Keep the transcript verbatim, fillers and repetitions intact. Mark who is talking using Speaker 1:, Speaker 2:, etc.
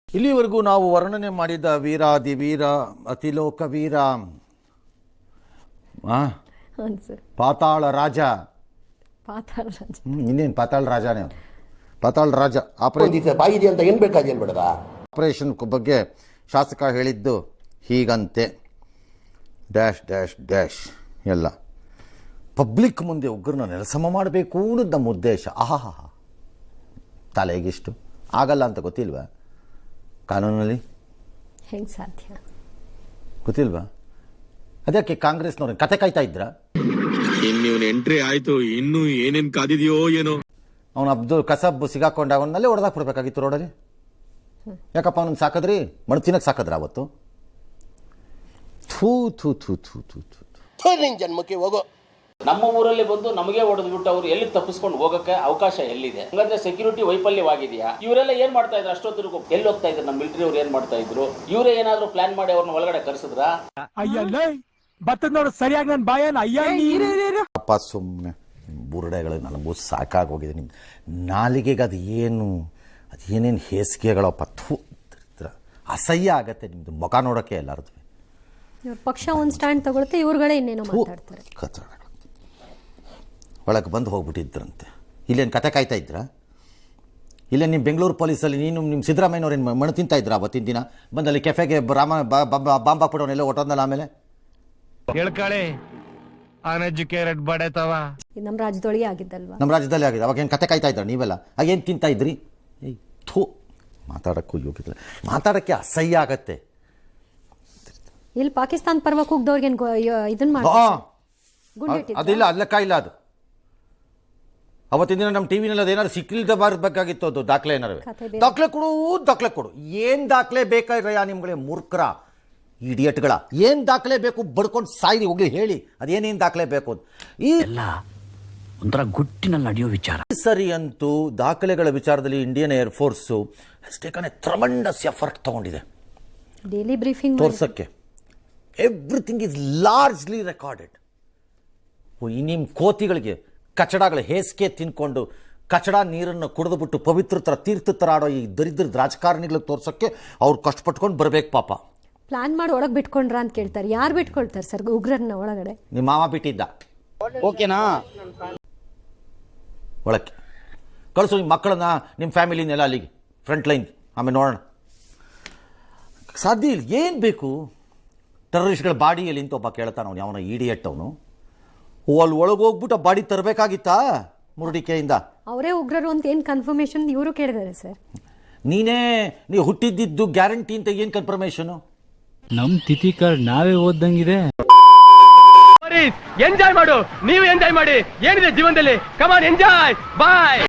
Speaker 1: ಇಲ್ಲಿವರೆಗೂ ನಾವು ವರ್ಣನೆ ಮಾಡಿದ ವೀರಾದಿ ವೀರ ಅತಿಲೋಕ ವೀರ ಪಾತಾಳ ರಾಜ
Speaker 2: ಪಾತಾಳ ರಾಜ
Speaker 1: ಇನ್ನೇನು ಪಾತಾಳ ರಾಜನೇ ಪಾತಾಳ ರಾಜ
Speaker 3: ಬಾಯಿದೆ ಅಂತ ಏನು ಬೇಕಾದ ಏನು ಬೇಡದ
Speaker 1: ಆಪರೇಷನ್ ಬಗ್ಗೆ ಶಾಸಕ ಹೇಳಿದ್ದು ಹೀಗಂತೆ ಡ್ಯಾಶ್ ಡ್ಯಾಶ್ ಡ್ಯಾಶ್ ಎಲ್ಲ ಪಬ್ಲಿಕ್ ಮುಂದೆ ಉಗ್ರನ್ನ ನೆಲಸಮ ಮಾಡಬೇಕು ಅನ್ನೋದು ನಮ್ಮ ಉದ್ದೇಶ. ಆಹಾ ತಲೆಗಿಷ್ಟು ಆಗಲ್ಲ ಅಂತ ಗೊತ್ತಿಲ್ವಾ ಕಾನೂನಲ್ಲಿ?
Speaker 2: ಹೆಂಗೆ ಸಾಧ್ಯ
Speaker 1: ಗೊತ್ತಿಲ್ವಾ? ಅದಕ್ಕೆ ಕಾಂಗ್ರೆಸ್ನವ್ರ ಕತೆ ಕಾಯ್ತಾ ಇದ್ರ?
Speaker 4: ಇನ್ನು ಎಂಟ್ರಿ ಆಯ್ತು, ಇನ್ನು ಏನೇನ್ ಕಾದಿದೆಯೋ ಏನೋ.
Speaker 1: ಅವನು ಅಬ್ದುಲ್ ಕಸಬ್ ಸಿಗಾಕೊಂಡ ಅವನಲ್ಲೇ ಹೊಡೆದಾಕ್ ಬಿಡ್ಬೇಕಾಗಿತ್ತು ರೋಡಲ್ಲಿ. ಯಾಕಪ್ಪ ಅವನನ್ನು ಸಾಕದ್ರಿ? ಮಣ್ಣು ತಿನ್ನಕ್ಕೆ ಸಾಕದ್ರ ಅವತ್ತು? ಥೂ ಥೂ ಥೂ ಥೂ ಥೂ ಥೂ
Speaker 3: ನಿನ್ ಜನ್ಮಕ್ಕೆ ಹೋಗೋ.
Speaker 5: ನಮ್ಮ ಊರಲ್ಲಿ ಬಂದು ನಮಗೆ ಹೊಡೆದ್ಬಿಟ್ಟು ಅವ್ರು ಎಲ್ಲಿ ತಪ್ಪಿಸ್ಕೊಂಡು ಹೋಗಕ್ಕೆ ಅವಕಾಶ ಎಲ್ಲಿದೆ? ಹಂಗಂದ್ರೆ ಸೆಕ್ಯೂರಿಟಿ ವೈಫಲ್ಯವಾಗಿದೆಯಾ? ಇವರೆಲ್ಲ ಏನ್ ಮಾಡ್ತಾ ಇದ್ರು? ಅಷ್ಟೊತ್ತಿಗೂ ಎಲ್ಲಿ ಹೋಗ್ತಾ ಇದ್ರು? ನಮ್ಮ ಮಿಲಿಟರಿ ಅವ್ರು ಏನ್ ಮಾಡ್ತಾ ಇದ್ರು? ಇವರೇ ಏನಾದ್ರು ಪ್ಲಾನ್ ಮಾಡಿ ಅವ್ರನ್ನ ಒಳಗಡೆ ಕರೆಸಿದ್ರ?
Speaker 6: ಸರಿಯಾಗಿ ನನ್ನ ಬಾಯನ್
Speaker 1: ಅಪ್ಪ ಸುಮ್ಮನೆ ಬುರುಡೆಗಳು ನನಗೂ ಸಾಕಾಗೋಗಿದೆ. ನಿಮ್ಮ ನಾಲಿಗೆಗೆ ಅದು ಏನು ಅದು ಏನೇನು ಹೇಸಿಗೆಗಳಪ್ಪ, ಥೂ ಅಸಹ್ಯ ಆಗತ್ತೆ ನಿಮ್ಮದು ಮುಖ ನೋಡೋಕ್ಕೆ ಎಲ್ಲರದು.
Speaker 2: ಇವ್ರ ಪಕ್ಷ ಒಂದು ಸ್ಟ್ಯಾಂಡ್ ತಗೊಳುತ್ತೆ, ಇವ್ರುಗಳೇ ಇನ್ನೇನೋ ಮಾತಾಡ್ತಾರೆ.
Speaker 1: ಕಚಡ ಒಳಗೆ ಬಂದು ಹೋಗ್ಬಿಟ್ಟಿದ್ರಂತೆ. ಇಲ್ಲೇನು ಕತೆ ಕಾಯ್ತಾ ಇದ್ರ? ಇಲ್ಲೇ ನಿಮ್ಮ ಬೆಂಗಳೂರು ಪೊಲೀಸಲ್ಲಿ ನೀನು ನಿಮ್ಮ ಸಿದ್ದರಾಮಯ್ಯನವ್ರೇನು ಮಣ್ಣು ತಿಂತಾ ಇದ್ರ ಅವತ್ತಿನ ದಿನ ಬಂದಲ್ಲಿ ಕೆಫೆಗೆ ರಾಮ ಬಾಂಬ್ ಹಾಕ್ಬಿಡೋನೆಲ್ಲ ಹೊಟ್ಟೋದ್ನಲ್ಲ ಆಮೇಲೆ
Speaker 6: ಹೇಳ್ಕಳಿ ಅನ್ಎಜುಕೇಟೆಡ್ ಬಡತವ
Speaker 2: ನಮ್ಮ ರಾಜ್ಯದೊಳಗೆ ಆಗಿದ್ದಲ್ವಾ?
Speaker 1: ನಮ್ಮ ರಾಜ್ಯದಲ್ಲಿ ಆಗಿದೆ. ಅವಾಗ ಏನು ಕತೆ ಕಾಯ್ತಾ ಇದ್ರ ನೀವೆಲ್ಲ? ಆಗೇನು ತಿಂತಾ ಇದ್ರಿ? ಏಯ್ ಥೂ ಮಾತಾಡೋಕ್ಕೂ ಯೋಗ್ಯತೆ, ಮಾತಾಡೋಕ್ಕೆ ಅಸಹ್ಯ ಆಗತ್ತೆ.
Speaker 2: ಇಲ್ಲಿ ಪಾಕಿಸ್ತಾನ ಪರವಾಗಿ ಹೋಗ್ದವ್ರಿಗೆ ಇದನ್ನ ಮಾಡಿ
Speaker 1: ಅದಿಲ್ಲ, ಅದ್ ಲೆಕ್ಕ ಇಲ್ಲ ಅದು. ಅವತ್ತಿನ ದಿನ ನಮ್ಮ ಟಿವಿನಲ್ಲಿ ಅದೇನಾದ್ರು ಸಿಕ್ಕಿಲ್ದ ಬಾರಬೇಕಾಗಿತ್ತು. ಅದು ದಾಖಲೆ ಏನಾರು ದಾಖಲೆ ಕೊಡು ದಾಖಲೆ ಕೊಡು. ಏನು ದಾಖಲೆ ಬೇಕಾಯ್ರಯ್ಯ ನಿಮ್ಗಳೇ ಮೂರ್ಖರ ಇಡಿಯಟ್ಗಳ? ಏನು ದಾಖಲೆ ಬೇಕು? ಬಡ್ಕೊಂಡು ಸಾಯಿರಿ ಹೋಗ್ಲಿ ಹೇಳಿ, ಅದೇನೇನು ದಾಖಲೆ ಬೇಕು ಅಂತ. ಈ
Speaker 7: ಒಂಥರ ಗುಟ್ಟಿನಲ್ಲಿ ನಡೆಯೋ ವಿಚಾರ
Speaker 1: ಸರಿ ಅಂತೂ ದಾಖಲೆಗಳ ವಿಚಾರದಲ್ಲಿ Indian air force taken a tremendous effort ತಗೊಂಡಿದೆ
Speaker 2: ಡೈಲಿ ಬ್ರೀಫಿಂಗ್
Speaker 1: ತೋರ್ಸಕ್ಕೆ. Everything is largely recorded. ಈ ನಿಮ್ಮ ಕೋತಿಗಳಿಗೆ ಕಚಡಗಳ ಹೇಸಿಗೆ ತಿನ್ಕೊಂಡು ಕಚಡ ನೀರನ್ನು ಕುಡಿದುಬಿಟ್ಟು ಪವಿತ್ರ ಥರ ತೀರ್ಥ ಥರ ಆಡೋ ಈ ದರಿದ್ರದ ರಾಜಕಾರಣಿಗಳಿಗೆ ತೋರ್ಸೋಕ್ಕೆ ಅವ್ರು ಕಷ್ಟಪಟ್ಕೊಂಡು ಬರಬೇಕು ಪಾಪ.
Speaker 2: ಪ್ಲಾನ್ ಮಾಡಿ ಒಳಗೆ ಬಿಟ್ಕೊಂಡ್ರ ಅಂತ ಕೇಳ್ತಾರೆ. ಯಾರು ಬಿಟ್ಕೊಳ್ತಾರೆ ಸರ್ ಉಗ್ರನ್ನ ಒಳಗಡೆ?
Speaker 1: ನಿಮ್ಮ ಮಾವ ಬಿಟ್ಟಿದ್ದ.
Speaker 7: ಓಕೆನಾ?
Speaker 1: ಒಳಕ್ಕೆ ಕಳಿಸು ನಿಮ್ಮ ಮಕ್ಕಳನ್ನ, ನಿಮ್ಮ ಫ್ಯಾಮಿಲಿನೆಲ್ಲ ಅಲ್ಲಿಗೆ ಫ್ರಂಟ್ ಲೈನ್, ಆಮೇಲೆ ನೋಡೋಣ. ಸಾಧ್ಯ ಇಲ್ಲ. ಏನು ಬೇಕು? ಟೆರರಿಸ್ಟ್ಗಳ ಬಾಡಿಯಲ್ಲಿ ಅಂತ ಒಬ್ಬ ಕೇಳ್ತಾನೆ, ಅವನು ಅವನ ಇಡಿಯಟ್ ಅವನು. ಓ ಅಲ್ಲಿ ಒಳಗೆ ಹೋಗ್ಬಿಟ್ಟು ಆ ಬಾಡಿ ತರಬೇಕಾಗಿತ್ತಾ ಮುರುಡಿಕೆಯಿಂದ?
Speaker 2: ಅವರೇ ಉಗ್ರರು ಅಂತ ಏನು ಕನ್ಫರ್ಮೇಶನ್ ಇವರು ಕೇಳಿದ್ದಾರೆ ಸರ್?
Speaker 1: ನೀನೇ ನೀವು ಹುಟ್ಟಿದ್ದು ಗ್ಯಾರಂಟಿ ಅಂತ ಏನು ಕನ್ಫರ್ಮೇಶನು?
Speaker 8: ನಮ್ ತಿಥಿ ಕಾರ್ಡ್ ನಾವೇ ಓದ್ದಂಗಿದೆ.
Speaker 6: ಎಂಜಾಯ್ ಮಾಡು, ನೀವು ಎಂಜಾಯ್ ಮಾಡಿ. ಏನಿದೆ ಜೀವನದಲ್ಲಿ? ಕಮಾನ್ ಎಂಜಾಯ್, ಬಾಯ್.